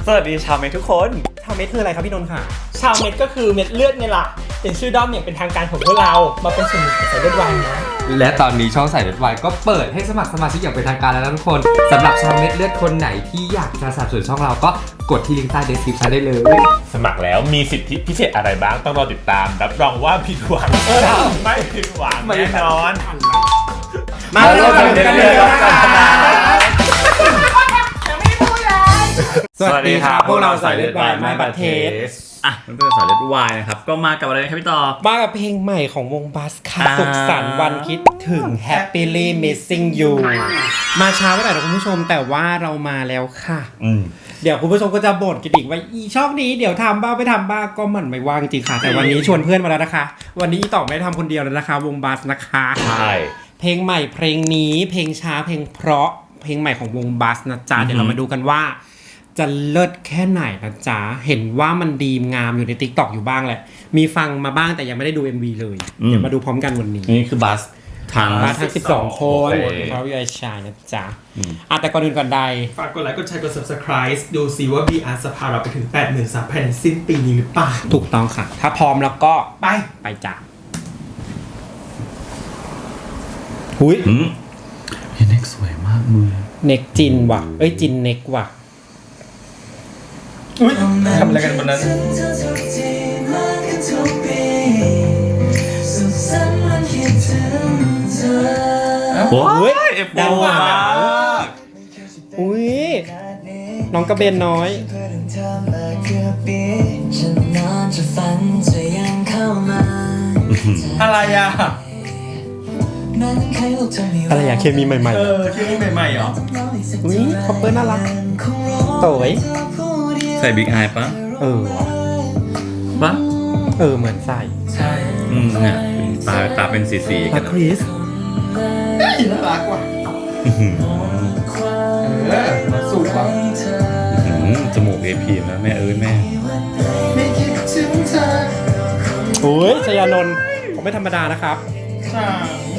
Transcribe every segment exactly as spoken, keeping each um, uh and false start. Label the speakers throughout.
Speaker 1: สวัสดีชาวเมททุกคน
Speaker 2: ชาวเม็ดคืออะไรครับพี่นนท์ค่ะ
Speaker 3: ชาวเม็ดก็คือเม็ดเลือดไงล่ะเป็นชื่อด้อมอย่างเป็นทางการของพวกเรามาเป็นส่วนหนึ่งของสายเลือดวายนะ
Speaker 4: และตอนนี้ช่องสายเลือดวายก็เปิดให้สมัครสมาชิกอย่างเป็นทางการแล้วนะทุกคนสำหรับชาวเม็ดเลือดคนไหนที่อยากจะสนับสนุนช่องเราก็กดที่ลิงก์ใต้เดสคริปชั่นได้เลย
Speaker 5: สมัครแล้วมีสิทธิพิเศษอะไรบ้างต้องรอติดตามรับรองว่าผิดหวังไม่ผิดหวังแน่นอน
Speaker 2: มาเริ่มกันเลยนะคะ
Speaker 1: สวัสดีครับ
Speaker 2: พวกเราสายเลือดวายไม้บัตเทส
Speaker 1: อ่ะเพื่อนๆสายเลือดวายนะครับก็มากับอะไรครับพี่ต่อ
Speaker 2: มากับเพลงใหม่ของวงบัสค่ะสุขสันต์วันคิดถึง Happily Missing You มาช้าไปหน่อยนะคุณผู้ชมแต่ว่าเรามาแล้วค่ะเดี๋ยวคุณผู้ชมก็จะบ่นกันอีกว่าอีช่องนี้เดี๋ยวทำบ้างไม่ทำบ้างก็มันไม่ว่างจริงค่ะแต่วันนี้ชวนเพื่อนมาแล้วนะคะวันนี้อีต่อไม่ได้ทำคนเดียวแล้วนะคะวงบัสนะคะ
Speaker 5: ใช่
Speaker 2: เพลงใหม่เพลงนี้เพลงช้าเพลงเพราะเพลงใหม่ของวงบัสนะจ๊ะเดี๋ยวเรามาดูกันว่าจะเลิศแค่ไหนนะจ๊ะเห็นว่ามันดีงามอยู่ใน ติ๊กต็อก อยู่บ้างแหละมีฟังมาบ้างแต่ยังไม่ได้ดู เอ็ม วี เลยเดี๋ยวมาดูพร้อมกันวันนี้
Speaker 1: นี่คือบัสทาง
Speaker 2: บัสทั้งสิบสองคนเขาอยู่ไอชายนะจ๊ะอ่ะแต่ก่อนอื่นก่อนใด
Speaker 3: ฝากกดไลค์กดแชร์กด ซับสไครบ์ ดูซิว่า บี อาร์ จะพาเราไปถึง แปดหมื่นสามพัน สิ้นปีนี้หรือเปล่า
Speaker 2: ถูกต้องค่ะถ้าพร้อมแล้วก็
Speaker 3: ไป
Speaker 2: ไปจ้ะหุย
Speaker 1: เน็กสวยมากมือ
Speaker 2: เน็กจินว่ะเอ้ยจินเน็กว่ะ
Speaker 3: อุ้ยทำอะไรกันบนนั้น
Speaker 1: โอ้ยเอฟโฟมาก
Speaker 2: อุ้ยน้องกระเบนน้อย
Speaker 3: อะไรอ่ะ
Speaker 2: อะไรอย่างเคมีใหม่ๆ
Speaker 3: เออเคมีใหม่ๆเหรอ
Speaker 2: อุ้ยคอปเปอร์น่ารักสวย
Speaker 1: ใส่บิ๊กไอปะ
Speaker 2: เออ
Speaker 1: ปะ
Speaker 2: เออเหมือนใส่
Speaker 3: ใช่
Speaker 1: อืมเนี่ยตาตาเป็นสีสี
Speaker 2: กันคริส
Speaker 3: น่ารักว่ะเออสูงว่ะ
Speaker 1: จมูกเอพีนะแม่เอ้ยแม่
Speaker 2: โอ้ยชยานนท์ผมไม่ธรรมดานะครับ
Speaker 3: ใช่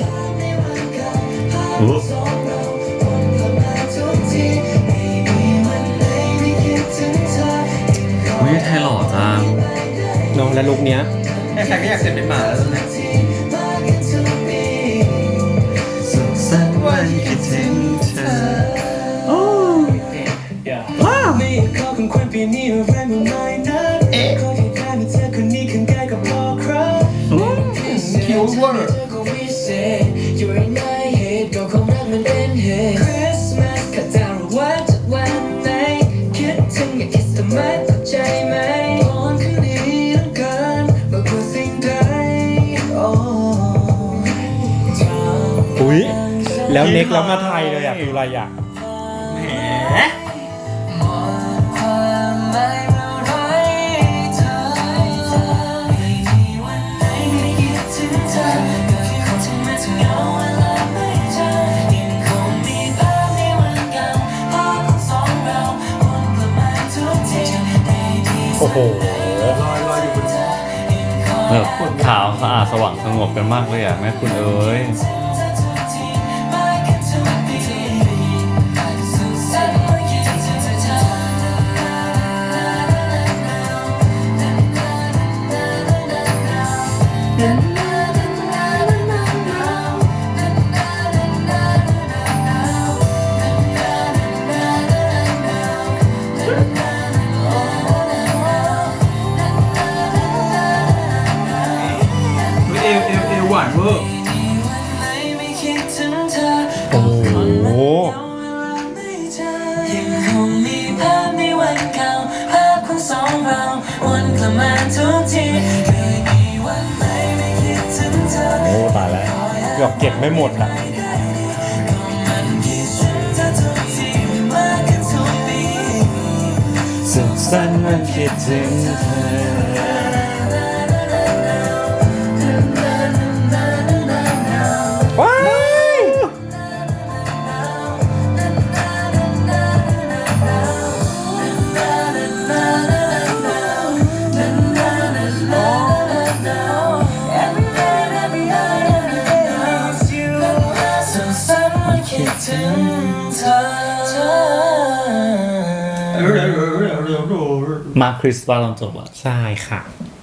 Speaker 1: โอ้ยไทยหล่อจัง
Speaker 2: น้องและลุกเนี้ย
Speaker 3: ใครๆก็อยากเสร็จเป็นหมาแล้วนะ
Speaker 1: สุขสันต์วันคิดถึงเธอโอ้
Speaker 2: ว้าว
Speaker 3: เอ๊ะคิวเวอร์
Speaker 2: อุ้ยแล้วเน็กแล้วมาไทยเลยอ่ะคืออะไรอ่ะ
Speaker 3: แหม
Speaker 2: โอ้โห
Speaker 3: ลอยลอยอยู่บน
Speaker 1: แบบขาวสะอาดสว่างสงบกันมากเลยอ่ะแม่คุณเอ๋ย
Speaker 3: เอวเอวเอวหวานเวอร์
Speaker 2: โอ้โห
Speaker 6: ยังคงมีภาพในวันเก่าภาพของสองเราวนกลับมาทุกทีไม่มีวันไหนไม่คิดถึงเธอ
Speaker 1: โอ้ตายแล้ว
Speaker 2: เกือบเก็บไม่หมดอ่ะ
Speaker 1: สุขสันต์วันคิดถึงเธอ
Speaker 2: ว้าว
Speaker 6: คิดถึงเธอ
Speaker 3: เร็วเร็วเร็วเร็ว
Speaker 5: มาคริสว่าตอนจบอ่ะ
Speaker 2: ใช่ค่ะ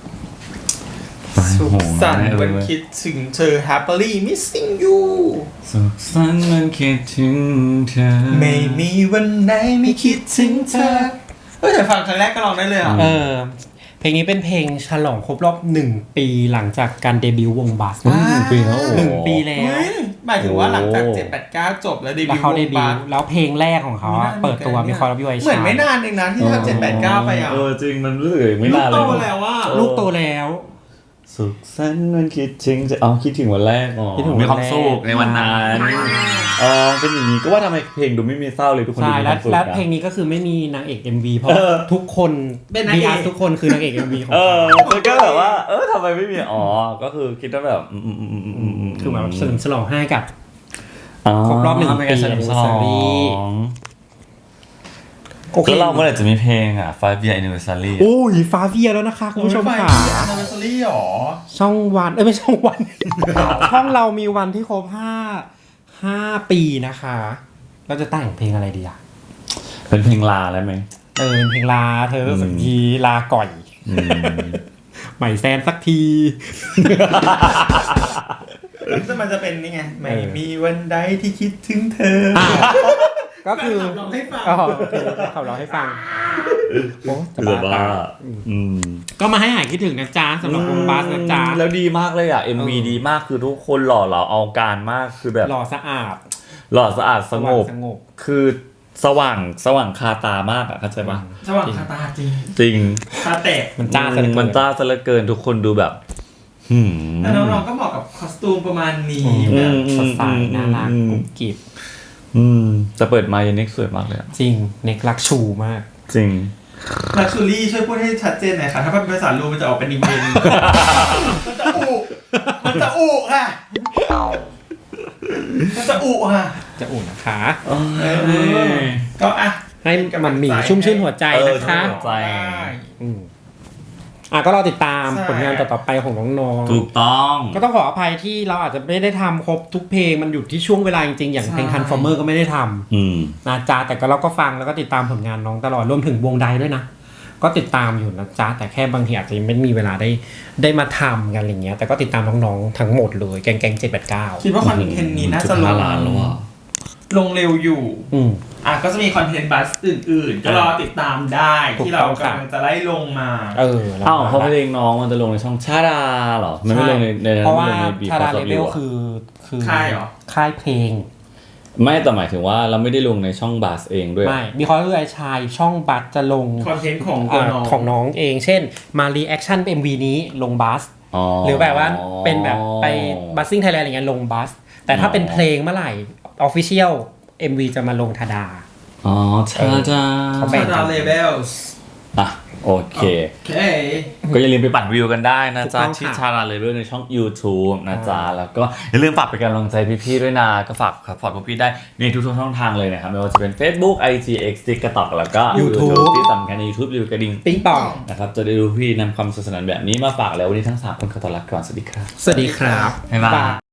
Speaker 3: สุขสันต์วันคิดถึงเธอ happily missing you
Speaker 1: สุขสันต์วันคิดถึงเธอ
Speaker 3: ไม่มีวันไหนไม่คิดถึงเธอเฮ้ยแต่ฟังครั้งแรกก็ร้องได้เลยอ่ะ
Speaker 2: เออ เพลงนี้เป็นเพลงฉลองครบรอบหนึ่งปีหลังจากการเดบิวต์วงบัส
Speaker 1: หนึ่งปีแล้วโอ้
Speaker 2: หนึ่งปีแล้ว
Speaker 3: เฮ้ยหมายถึงว่าหลังจากเจ็ดแปดเก้าจบแล้วเด
Speaker 2: แล้ว
Speaker 3: บิวต์
Speaker 2: เขาเดบิ
Speaker 3: ว
Speaker 2: ว
Speaker 3: ง
Speaker 2: ต์แล้วเพลงแรกของเขาอะเปิดตัวมีคอร์รัปยูไอชา
Speaker 3: เหมือนไม่นานเองนะที่ทำเจ็ดแปดเก้าไปอ่ะ
Speaker 1: เออจริงมันรู้สึกไม่
Speaker 3: ลูก
Speaker 1: นานเล
Speaker 3: โต
Speaker 1: ย
Speaker 3: แล้วว่า
Speaker 2: ลูกโตแล้ว
Speaker 1: สุขสันต์วันคิดถึงจะเอาคิดถึงวันแรกอ๋อ
Speaker 2: คิดถึงวันแรก
Speaker 1: มีความสุขในวันนั้นอ๋อเป็นอย่างนี้ก็ว่าทำไมเพลงดูไม่มีเศร้าเลยทุกคนดู
Speaker 2: ใช่
Speaker 1: มีค
Speaker 2: แล้ว
Speaker 1: วามสุข
Speaker 2: แล้ว
Speaker 1: นะ
Speaker 2: เพลงนี้ก็คือไม่มีนางเอก เอ็ม วี เพราะ
Speaker 1: เออ
Speaker 2: ทุกคน
Speaker 3: เป็นนางเอก
Speaker 2: บีอาร์ทุกคนคือนางเอก เอ็ม วี ของ
Speaker 1: เอ
Speaker 2: เขา
Speaker 1: อมันก็แบบว่า เออทำไมไม่มีอ๋อก็คือคิดว่าแบบอืมอืมอืมอืมอืม
Speaker 2: คือแบบเฉลิมฉลองให้กับ
Speaker 1: อ๋อ
Speaker 2: ครบรอบหนึ่ง
Speaker 1: เป็นการเฉลิมฉลอง
Speaker 2: anniversary โอเค
Speaker 1: แล้วเราเมื่อไหร่จะมีเพลงอ่ะ five year anniversary
Speaker 2: โอ้ยฟ้าเวียแล้วนะคะคุณผู้ชมค่ะ
Speaker 3: แอนนิเวอร์ซารี่หรอ
Speaker 2: ช่องวันเอ้ยไม่ช่องวัน ช่องเรามีวันที่ครบห้าห้าปีนะคะ เราจะแต่งเพลงอะไรดีอ่ะ
Speaker 1: เป็นเพลงลาแล้วไหม
Speaker 2: เออเป็นเพลงลาเธอสักทีลาก่อย
Speaker 1: อืม
Speaker 2: ใหม่แซนสักที
Speaker 3: ซึ่งมันจะเป็นนี่ไง ไม่มีวันใดที่คิดถึงเธอ
Speaker 2: อ่ะ ก็คือ
Speaker 3: แฟนคลับร้องให้ฟัง
Speaker 2: อ๋อเพลงเขาร้องให้ฟังโอ้จะ
Speaker 1: คือแบบ
Speaker 2: บ้า
Speaker 1: ว่า
Speaker 2: ตาย
Speaker 1: อืม
Speaker 2: ก็มาให้หายคิดถึงนะจ๊ะสำหรับวงบัสนะจ๊ะ
Speaker 1: แล้วดีมากเลยอ่ะ เอ็ม วี
Speaker 2: เออ
Speaker 1: ดีมากคือทุกคนหล่อเหลาเอาการมากคือแบบ
Speaker 2: หล่อสะอาด
Speaker 1: หล่อสะอาดสงบ
Speaker 2: สงบ
Speaker 1: คือสว่างสว่างคาตามากอ่ะเข้าใจปะ
Speaker 3: สว่างคาตาจริง
Speaker 1: จริง
Speaker 3: คาแตก
Speaker 2: มันจ้าซะเหลือเกิน
Speaker 1: มันจ้าซะเหลือเกินทุกคนดูแบบ หืม
Speaker 3: แล้วน้องๆก็เหมาะกับคอสตูมประมาณนี้
Speaker 2: อืม
Speaker 3: แบบ
Speaker 2: สดใสน่ารัก
Speaker 1: อืม
Speaker 2: กุ๊บกิ๊บ
Speaker 1: อืมจะเปิดมายันเน็กสวยมากเลยอะ
Speaker 2: จริงเน็กรักชูมาก
Speaker 1: จริง
Speaker 3: ลักชูรี่ช่วยพูดให้ชัดเจนหน่อยค่ะ ถ้าเป็นภาษาลูมันจะออกเป็นอีเมลมันจะอุมันจะอุค่ะ มันจะอุค่ะ
Speaker 2: จะอุ่นนะคะ
Speaker 3: เออก็อ่ะ
Speaker 2: ให้มันหมีชุ่มชื่นหัวใจนะคะ
Speaker 1: เออชุ่มหัวใจ
Speaker 2: อืมอ่ะก็รอติดตาม
Speaker 3: ใช่
Speaker 2: ผลงานต่อๆไปของน้อง
Speaker 1: ถูกต้อง
Speaker 2: ๆก็ต้องขออภัยที่เราอาจจะไม่ได้ทำครบทุกเพลงมันอยู่ที่ช่วงเวลาจริงๆ อย่างเพลง Transformer ก็ไม่ได้ทำ
Speaker 1: อืม
Speaker 2: นะจ๊ะแต่ก็เราก็ฟังแล้วก็ติดตามผลงานน้องตลอดรวมถึงวงใดด้วยนะ ก็ติดตามอยู่นะจ๊ะแต่แค่บางทีอาจจะยังไม่มีเวลาได้ได้มาทำกันอะไรเงี้ยแต่ก็ติดตามน้องๆทั้งหมดเลยแกงแกงเจ็ดแปดเก้า
Speaker 3: คิดว่าคอนเทนต์นี้น่าจะลง
Speaker 1: ล้านแล้วอ่ะ
Speaker 3: ลงเร็วอยู่
Speaker 2: อืม
Speaker 3: อ่ะก็จะมีคอนเทนต์บัสอื่นๆ ก็รอติดตามได้
Speaker 2: ถูก
Speaker 3: ที่เรา
Speaker 2: ต้องครับ
Speaker 3: กำลังจะไล่ลงมา
Speaker 2: เออแล้ว
Speaker 1: อ้าวเพราะเพลงน้องมันจะลงในช่องชาดาเหรอ มันไม่ลงในใน
Speaker 2: เพราะว่า
Speaker 1: ไม่ลงในบี
Speaker 2: ชา
Speaker 1: ฟอ
Speaker 2: ดา
Speaker 1: ร์
Speaker 2: เล
Speaker 1: ซ
Speaker 2: เว
Speaker 1: วิ
Speaker 2: ล
Speaker 1: ว
Speaker 2: คือคือ
Speaker 3: ค่ายเหรอ
Speaker 2: ค่ายเพลง
Speaker 1: ไม่แต่หมายถึงว่าเราไม่ได้ลงในช่องบาสเองด้วย
Speaker 2: ไม่มีคอร์เไอชายช่องบัสจะลง
Speaker 3: คอนเทนต์ของตัว
Speaker 2: อ่า
Speaker 3: น้อง
Speaker 2: ของน้องเอง เช่นมารีแอคชั่นเอ็มวีนี้ลงบัส
Speaker 1: อ๋อ
Speaker 2: หรือแบบว่าเป็นแบบไปบัสซิ่งไทยแลนด์อะไรเงี้ยลงบัส แต่ถ้าเป็นเพลงเมื่อไหร่ออฟฟิเชียลเอ็มวีจะมาลงทาดา
Speaker 1: อ๋อชาดา
Speaker 2: เขาแบ่ง
Speaker 3: ชาดาเลเวลส์
Speaker 1: อ่ะโอเค
Speaker 3: โอเค
Speaker 1: ก็อย่าลืมไปปั่นวิวกันได้นะจ๊ะ
Speaker 2: ถูกต้องค่ะ
Speaker 1: ที่ชาดาเลเวลในช่อง YouTube นะจ๊ะ แล้วก็อย่าลืมฝากเป็นกำลังใจพี่ๆด้วยนะ ก็ฝากซัพพอร์ตพวกพี่ได้ในทุกๆช่องทางเลยนะครับ ไม่ว่าจะเป็น Facebook ไอ จี X TikTok แล้วก็
Speaker 2: YouTube
Speaker 1: ที่สำคัญใน YouTube รีวิวกระดิ่ง
Speaker 2: ปิ๊งปอง
Speaker 1: นะครับ จะได้ดูพี่นำความสนุกสนานแบบนี้มาฝากแล้ววันนี้ทั้งสามคนขอต้อนรับก่อนสวัสดีครับ
Speaker 2: สวัสดีครับ
Speaker 1: บ๊ายบาย